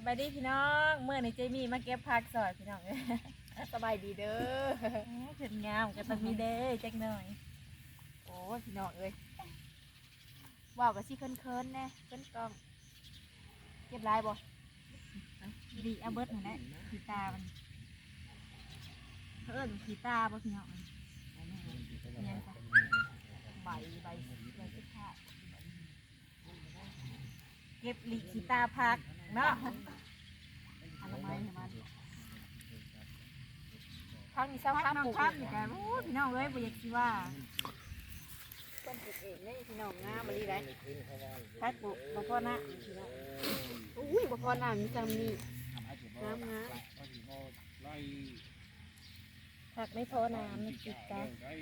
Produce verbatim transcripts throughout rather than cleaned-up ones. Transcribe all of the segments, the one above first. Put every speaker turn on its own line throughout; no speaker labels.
บายดีพี่น้องเมื่อในเจมี่มาเก็บผักสอยพี่น้องเลย
สบายดีเด้อ
เผ็ดงามก็ต้องมีเด้อจักหน่อย
โอ้ยพี่น้องเอ้ยว่าวกับซี่เคินเคินแน่เคินกล้องเก็บลายบ่
ดีเอาเบิร์ดหน่อยนะขีตามันเพิ่นขีตาบ่พี่น้องยังจ้ะ
ใบใบใบสุดท้าย
เก็บลีขีตาผักเนาะ
อนามัยให้มันพักมีเศร้า
ผั
ข้าม
น้อง
ปลูก
ผักนี่กันโอ้พี่น้องเอ้ยบ่อยากสิว่า
ต้นปลูกเองนี่พี่น้องงามมาลีได้
ผักปลูกบ่พอนะพี่น้อง
อุ้ยบ่พอน้ำมีจำนี่น้ำงาม
ผักไม่พอน้ำนี่ขีตา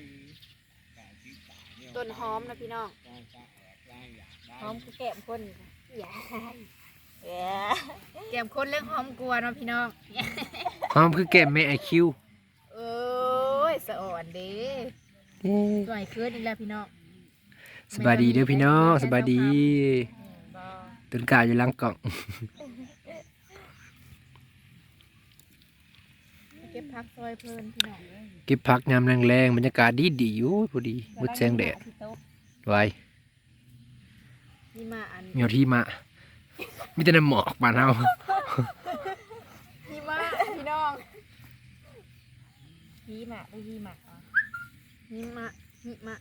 ต้นหอมนะพี่น้อง
หอมคือแก้มคนอย่าอย่า
แก้มคนเรื่องหอมกลัวเนาะพี่น้อง
หอมคือแก้มแม่ไอคิว
เอ้ยสะอ่อนเด้ตัวไอ้เคินนี่แหละพี่น้อง
สบายดีเด้อพี่น้องสบายดีตื่นกายอยู่หลังกล่อง
เก็บพักซอยเพลินพี่น้อง
เก็บผักยามแรงๆบรรยากาศดีดีอยู่พอดีมืดแสงแดดไว้
นี่มาอัน
เมียวที่มามีแต่น้ำหมอกบ้านเฮา
นี่มาพี่น้อง
ฮีหมะได้ฮีหมะอ๋อ
นี่มานี่มา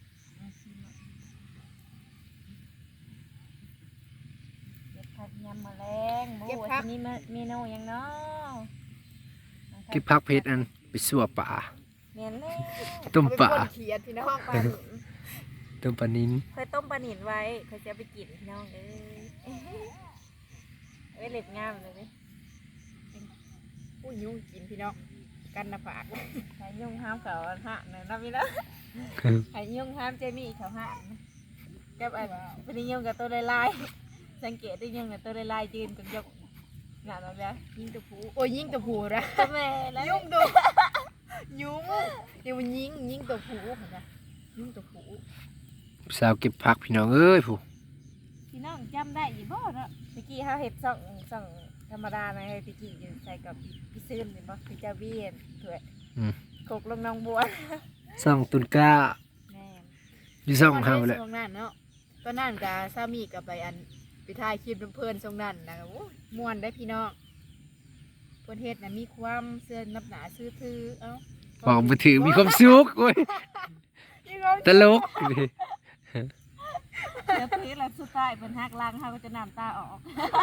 เก็บผักยำแมลงหมูอันนี้เมนูยังเนาะ
เก็บผักเพชรอันไปสั่วป่า
เมียนเลย
ต้มป่า
เอไปพ่นเขียดพี่น้องปลาหนิ
ต้มปลานิ้น
เคยต้มปลาหนินไว้เคยจะไปกินพี่น้องเอ้ยเอ้ยเล็บงามเลย
ผู้ยุ่งกินพี่น้องกันนะปาก
ไข่ยุ่งห้ามเขาหักเนี่ยนับไปแล้วไข่ยุ่งห้ามเจมี่เขาหักกับอันเป็นยุ่งกับตัวลายๆสังเกตได้ยุ่งกับตัวลายๆยืนกับยกงานอะไรยิงตัวผู้
โอ้ยยิงตัวผูนะ
ตัวแม่แล้ว
ยุ่งตัวยุ่งเดี๋ยวมันยิงยิงตัวผูเหรอจ๊ะยิงตัวผู
สาวเก็บผักพี่น้องเอ้ยผู้
พี่น้องจำได้ยี่บ่เนาะตะกี้เขาเห็ดส่องส่องธรรมดานะตะกี้อยู่ใส่กับพี่ซื่นเห็นบ่พี่เจ้าเบี้ยนถวยโขกลงน้องบัว
ส่องตุนก้า
แม่
อยู่ส่องเฮาแหละ
ตอนนั้นเนาะตอนนั้นกับสามีกับไปอันไปถ่ายคลิปเพื่อนๆทรงนั้นนะโอ้ยม่วนได้พี่น้องเพื่อนเฮ็ดนะมีความเสื้อนับหนาซื้อถือเอ้า
บอกมือถือมีความสุขโอ้ยตลก
เดี๋ยวพื้นแล้วสุดท้ายเป็นหักลังเขาก็จะน้ำตาออก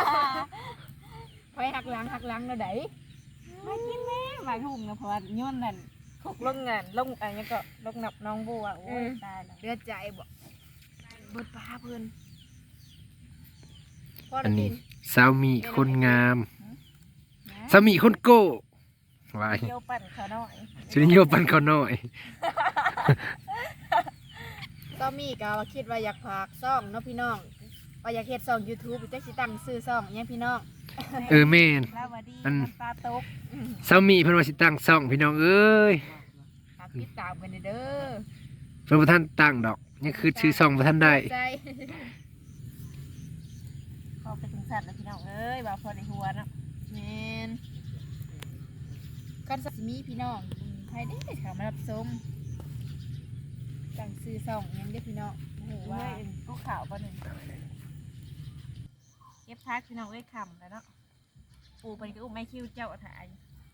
ไปหักหลังหักหลังแล้วได
มากินแม่มาทุ่งนะเพราะว่าย้อนนั่นโขกลงเงินลงอะไรก็ลงนับน้องบัวโอ้ยตายแล้ว
เลือดใจบ่เบิดปลาเพื่อนพ่อ
อัน
ได้
นี้
กิน
สาวมีคนงามสามีคนโก้ไว้
เที่ยวปั่นเขาหน่อย
ชุดนี้โยปันเขาหน่อย
สามีก็ว่าคิดว่าอยากพากซ่องเนาะพี่น้องว่าอยากเฮ็ดซ่อง YouTube จักสิตั้งซื้อซ่องอิหยังพี่น้อง
เออแม่น
ลาวดี
อัน
น้ำตาตก
สามีเพิ่นว่าสิตั้งซ่องพี่น้องเอ้ย
ฝากติดตามกันเด้อ
เพิ่นบ่ทันตั้งดอกนี่คือชื่อซ่องบ่ทันได้
ใจ
ขอไปถึงสัตว์แล้วพี่น้องเอ้ยว่าพอในหัวเนาะ
แม่นกันสิมีพี่น้องใครได้เข้ามารับชมตั้งซื้อซ่องอิหยังเด้อพี่น้องโอ้โห
ว่า
ว่า
ลูกขาวป่ะหนึ่งเก็บพักพี่น้องเอ้ยคำแล้วเนาะปูไปก็อุ้มไม่คิ้วเจ้าถ่าย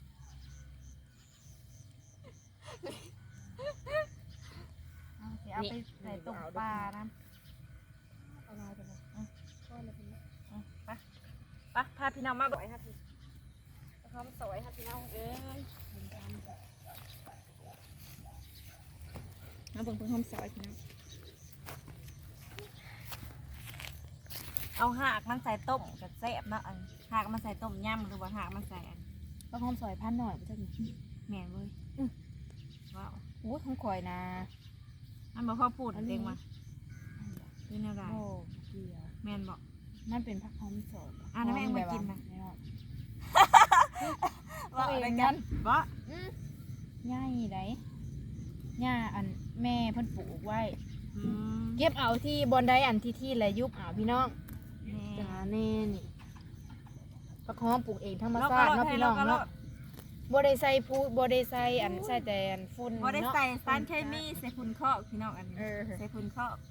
เอาสิเอาไปใส่ตุ่มปลานะ
เอามาจังเลยพ่อเลยพี่น้อง
เอาไปไปพาพี่น้องมาบ่อยค่ะพี่พร้อมสวยค่ะพี่น้องเอ้ยเอาเบิ่งเพิ่งหอมสวยพี่น้องเอาหากมันใส่ต้มกับแซ่บเนาะอันหากมันใส่ต้มยำหรือว่าหากมันใส่อัน
ก็หอมซอยพันหน่อยบ่จักนี่
แม่นเว้ยว้าว
โอ้ยของข่อยนะ
มันบอกพ่อพูดเองว่าคือแนวใด
โอ้เกี่ยว
แม่นบอก
มันเป็นผักหอมสด
อ่ะแล้วแม่งมากินนะ
ไม่รอด
ว่าอะไรกันบ่
ง่ายไดหญ้าอันแม่เพิ่นปลูกไว้
อืม
เก็บเอาที่บอนไดอันที่ที่และยุบเอาพี่น้อง
แม่
จ้าแน่นี่ผักหอมปลูกเองธรรมชาติเนาะพี่น้องเนาะบ่ได้ใส่พูบ่ได้ใส่อันใส่แต่อันฝุ่น
บ่ได้
เนาะ
ใส่สารเคมีใส่ฝุ่นเคาะพี่น้องอันนี้
เออ
ใส่ฝุ่นเคาะ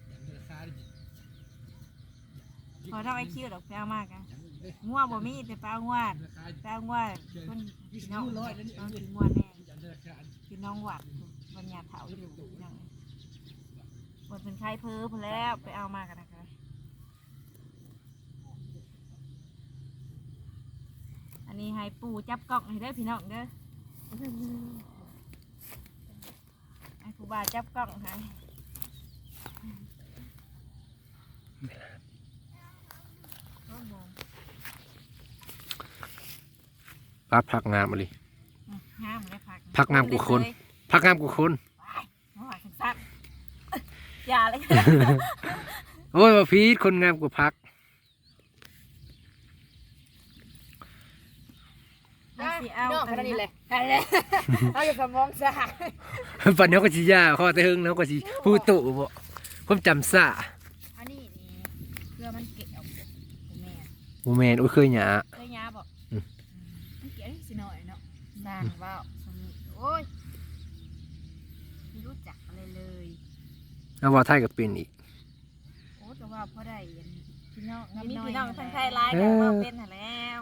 พอเท่าไอคิวดอกแปลมากอะง่วงบ่มีแต่ปลาง่วงปลาง่วงคนพี่น้องน้องกินง่วงแน่พี่น้องหวัดบรรยาเถาอยู่พี่น้องบนเป็นไข้เพ้อพอแล้วไปเอามากันนะคะอันนี้ให้ปู่จับกล่องให้ได้อพี่น้องเด้อให้ปู่บาจับกล่องให้
ปลาผักงามมาเลย
งามเลยผัก
ผักงามกว่าคน ผักงามกว่าคน
มาหวานสั้นอย่าเลย
โอ้ยว่าพีดคนงามกว่าผัก
เอาสิเอา
พี่น้องแค่นี้แหละนั่นแหละเอาอย่าสมองซะ
ปันนี้ก็สิยาข้อเตึงแล้วก็สิพูดตุบ่ผมจำซะ
อันนี้นี่เพื่อมันเกะออกแม่
บ่แม่นโอ้ยเคยหยา
เคยยาบอก
มันเกะสิหน่อยเนาะสร้างว่าวสมิโอ้ยไม่รู้จักอะไรเลย
แล้วว่าไทยก็เป็นอีก
โอ้แต่ว่าพอได้อันพี่น้อง
มี
น้อย
พี่น้อง
นั่นแหละ
ทั้งไทยร้ายกันว่าเป็นหาแล้ว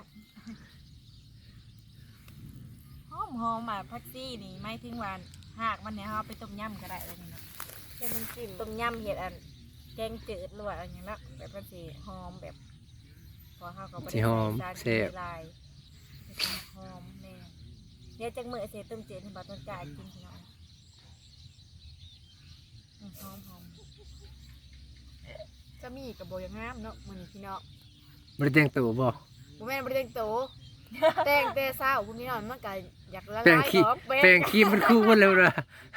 หอมหอมอ่ะพักซี่นี่ไม่ทิ้งวันหากมันเนี่ยเขาเอาไปต้มยำก็ได้เลยนะเป็นน้ำจิ้มต้มยำเห็ดอันแกงจืดหรือว่าอะไรอย่างเงี้ยละแบบมันสีหอมแบบพอเขาก็บ่ได้
สิหอม
ใส่สาร
แซ่บ
ลายหอมแม่เดี๋ยวจังมือเสียต้มจืดให้บาต้นจ่ายกินพี่น้องอืมหอมหอม
จะมีกับโบยังงามเนาะมื้อนี้พี่น้อง
บ่ได้แต่งตัวบ่
บ่แม่นบ่ได้แต่งโตแต่งแต่เช้าพวกนี้เนาะมันก็อยากละ
แป้ง
ลาย
ขี้
ของ
แป้งขี้มันคู่เบ่แล้วนะ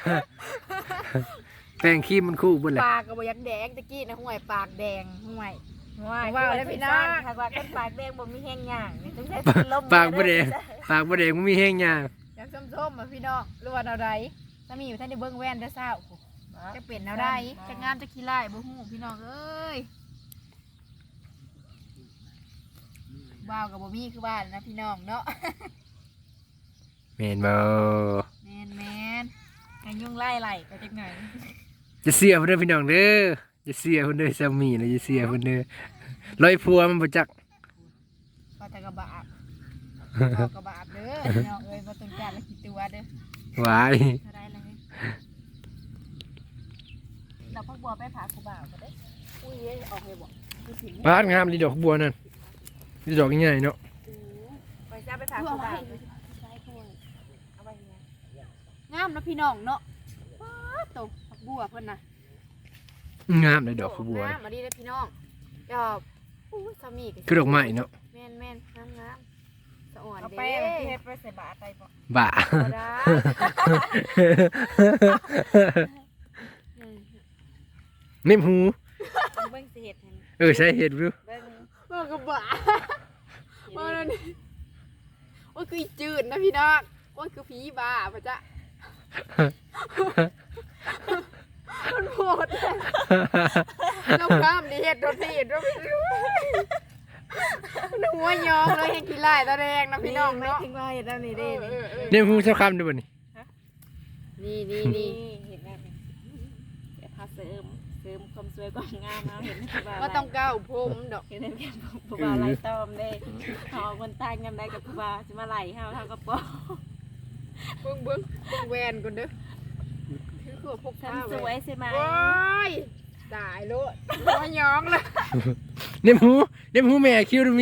แป้งขี้มันคู่เบ่แล้ว
ปากก็บ่อยากแดงตะกี้นะห่วยปากแดงห่วย
ว้าย
ว้าวเลยพี่น้อง
ถ้าว่าคนปากแดงบ่มีแห้งย่างนี่ต้องใช้ลม
ปากบ่แดงปากบ่แดงมันมีแห้งยาง
อยากส้มๆมาพี่น้องหรือว่าแนวใดถ้ามีอยู่ท่านได้เบิ่งแว่นได้เช้าจะเป็นแนวใดจะงามจะขี้ร้ายบ่ฮู้พี่น้องเอ้ยว้าวกับบ่มีคือบ้านนะพี่น้องเนาะ
แม่นบ่
แม่นแม่น
กันยุ่งไล่ไหลไปจังไหน
จะเสียเพิ่นเด้อพี่น้องเด้อจะเสียเพิ่นเด้อสามีนะจะเสียเพิ่นเด้อลอยผัวมันบ่จัก
ก็แต่กระบาบก็กระบาบเด้อพี่น้องเอ้ยบ่ต้องการละกี่ตัวเด้อ
หวาย
เท่าไรเลยเราพักบัวไปผาคูบ่าวก็ได้
อุ้ยเอ้ยออกเลยบ่คือสิ
บ้านงามดีดอกบัวนั่นดีดอกใหญ่ๆเนาะ
ไปจ้าไปผาคูบ่าวเอาไปยังไง
งามนะพี่น้องเนาะว้าตกผักบัวเพิ่นน่ะ
งามเลยดอกบัว
งามมาดีเลยพี่น้องดอกอู้สามีก็
คือดอกไม้เนาะ
แม่นแม่นงามงามสะอ่อน
เอา
เด้
ไปที่ให้ไปใส่บาตรไปบ่
บ่า
บ่ได้
นิ่มหู
เบิ่งสิเฮ็ดให้
เออใช่เห็ดวิว
เบิ่ง
บ่กระบะบ่นั่นว่าคืออีจืดนะพี่น้องว่าคือผีบ้าป่ะจ๊ะมันโหดเลยน้องข้ามดิเฮ็ดโดนดิเฮ็ดโดนน้หัวยองเลยเห็นขี้ไล่ตาแดงนะพี่น้อง
ไม่
เนาะ
ถึงว่าเฮ็ดแล้วนี่เด้นี่
นิ่มหูเจ้าคำด้วยบ่นี่
นี่นี่นี่
เห็นแล้วนี่เดี๋ยวพาเสริมเสริมความสวยความงามเอาเห็นไหมที่ว่า
ว่าต้องก้าวผมดอก
เห็นไหมแกผู้บ่าวไล่ตอมเด้เขาเอาคนตายกันได้กับผู้บ่าวจะมาไล่เฮาเฮาก็บ่
เบิ้งเบิ้งเบิ้งแวนก่อนเด้อคือคือพก
ฉัน
ผ้า
สวยใช่ไหม
โอ้ยตายโลดหัวยองเลย
นิ่มหูนิ่มหูแม่คิ้วดูมี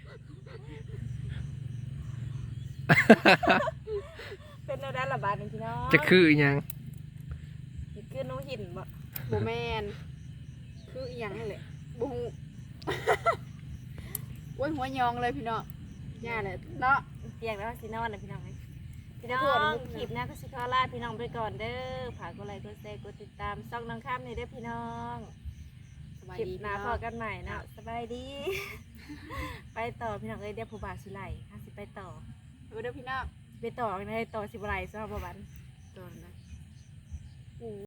เป็นแนวด้านระบาดนี่พี่น้อง
จะคืออีหยัง
นี่คือหนูหินบ่
โบแมนคืออีหยังนั่นแหละบูฮูโอ้ยหัวยองเลยพี่น้องย่าเนี่ยเนาะ
เปียกแล้วสินอนนะพี่น้องเอ้ยพี่น้อ
ขอโทษนะ
งคลิปหน้าก็สิขอลาพี่น้องไปก่อนเด้อฝากกดไลค์กดแชร์กดติดตามช่องน้องข้ามนี่เด้อพี่น้อง
สบาย
คลิป
ดี
หน้า
พี่
พ
น้
อ
อง
กันใหม่เนาะสบายดี ไปต่อพี่น้องเอ้ยเดี๋ยวผู้บ่าวสิไล่ห้าสิไปต่อ
เออเด้อพี่น้อง
ไปต่อกันเลยต่อสิบไล่ซะบ่บัน
ตอนนะ